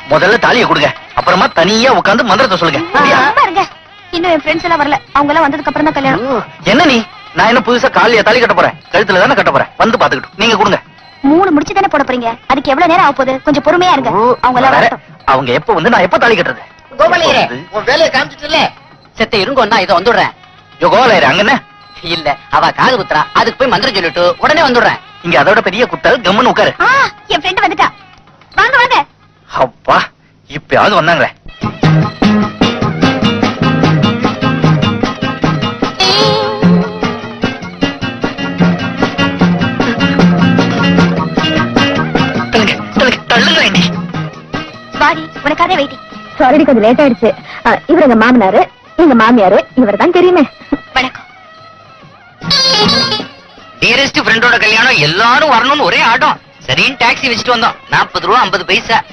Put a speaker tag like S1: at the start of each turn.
S1: முதல்ல தாலியை கொடுங்க, அப்புறமா தனியா உட்கார்ந்து மந்திரத்தை சொல்லுங்க. சரியா?
S2: பாருங்க, இன்னும் என் ஃப்ரெண்ட்ஸ் எல்லாம் வரல. அவங்க எல்லாம் வந்ததுக்கு அப்புறம் தான் கல்யாணம்.
S1: என்ன நீ? நான் என்ன புதுசா காலையா தாலி கட்ட போறேன்? கழுத்துல தானே கட்ட போறேன். வந்து பாத்துக்கிட்டு நீங்க கொடுங்க.
S2: 3 முடிச்சு தானே போட போறீங்க, அதுக்கு எவ்வளவு நேரம் ஆக போகுது? கொஞ்சம் பொறுமையா இருங்க. அவங்க எல்லாம் வரட்டும்.
S1: அவங்க எப்ப வந்து நான் எப்ப தாலி கட்டுறது?
S3: கோபாலையரே, உன் வேலையை காமிச்சிட்டுல
S4: செத்த இருங்கோன்னா இதை வந்துடுறேன்.
S1: யோ கோலாயிரு, அங்க என்ன?
S4: இல்ல, அவ காது குத்துறா, அதுக்கு போய் மந்திரம் சொல்லிட்டு உடனே வந்துடுறேன்.
S1: இங்க அதோட பெரிய குத்தல், கம்முன்னு உட்காரு.
S2: என் ஃப்ரெண்ட் வந்துட்டா. வாங்க வாங்க.
S1: அப்பா, இப்பயாவது வந்தாங்களே.
S2: வாடி, உனக்காக வெயிட்டிங். சாரி, கொஞ்சம் லேட் ஆயிடுச்சு. இவர் எங்க மாமனாரு, எங்க மாமியாரு, இவர் தான் தெரியுமே. வணக்கம்.
S4: டியரஸ்ட் ஃப்ரெண்டோட கல்யாணம், எல்லாரும் வரணும்னு ஒரே ஆட்டம். சரின்னு டாக்ஸி வச்சுட்டு வந்தோம். 40 ரூபா 50 பைசா.